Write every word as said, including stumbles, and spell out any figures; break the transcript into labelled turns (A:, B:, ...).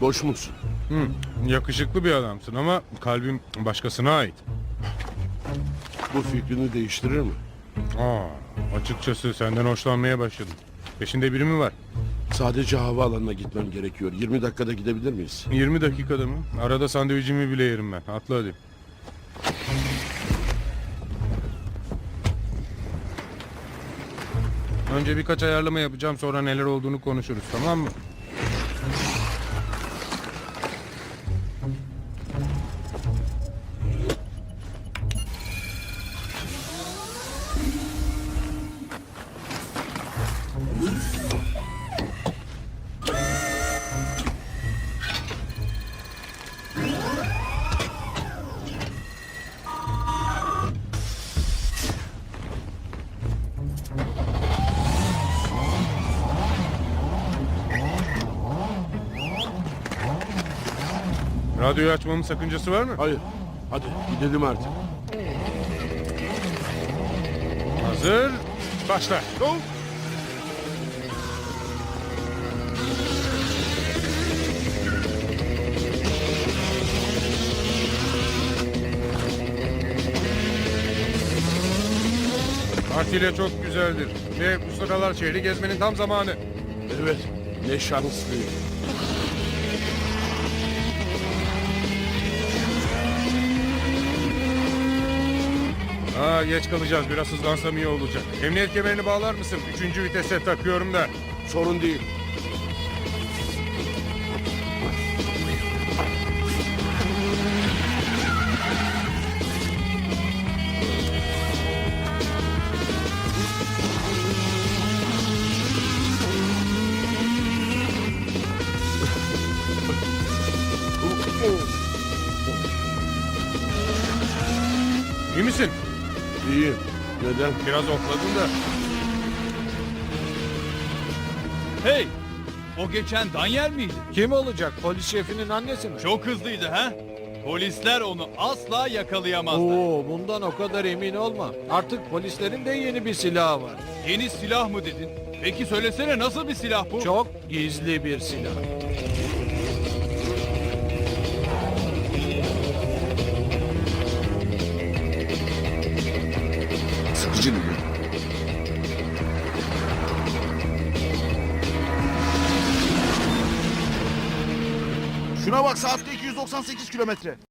A: Boş musun?
B: Hı, yakışıklı bir adamsın ama kalbim başkasına ait.
A: Bu fikrini değiştirir mi?
B: Aa, açıkçası senden hoşlanmaya başladım. Peşinde biri mi var?
A: Sadece havaalanına gitmem gerekiyor. yirmi dakikada gidebilir miyiz?
B: yirmi dakikada mı? Arada sandviçimi bile yerim ben. Atla hadi. Önce birkaç ayarlama yapacağım, sonra neler olduğunu konuşuruz, tamam mı? Radyoyu açmamın sakıncası var mı?
A: Hayır. Hadi gidelim artık.
B: Hazır. Başla.
A: Go!
B: Atilla çok güzeldir. Ve bu sıralar şehri gezmenin tam zamanı.
A: Evet. Ne şanslıyım.
B: Aa, geç kalacağız. Biraz hızlansam iyi olacak. Emniyet kemerini bağlar mısın? Üçüncü vitese takıyorum da.
A: Sorun değil.
B: İyi misin?
A: İyiyim. Neden?
B: Biraz okladın da.
C: Hey! O geçen Daniel miydi?
D: Kim olacak? Polis şefinin annesi mi?
C: Çok hızlıydı ha? Polisler onu asla yakalayamazlar.
D: Oo, bundan o kadar emin olma. Artık polislerin de yeni bir silahı var.
C: Yeni silah mı dedin? Peki söylesene, nasıl bir silah bu?
D: Çok gizli bir silah.
A: Sıkıcı mı?
E: Şuna bak, saatte iki yüz doksan sekiz kilometre.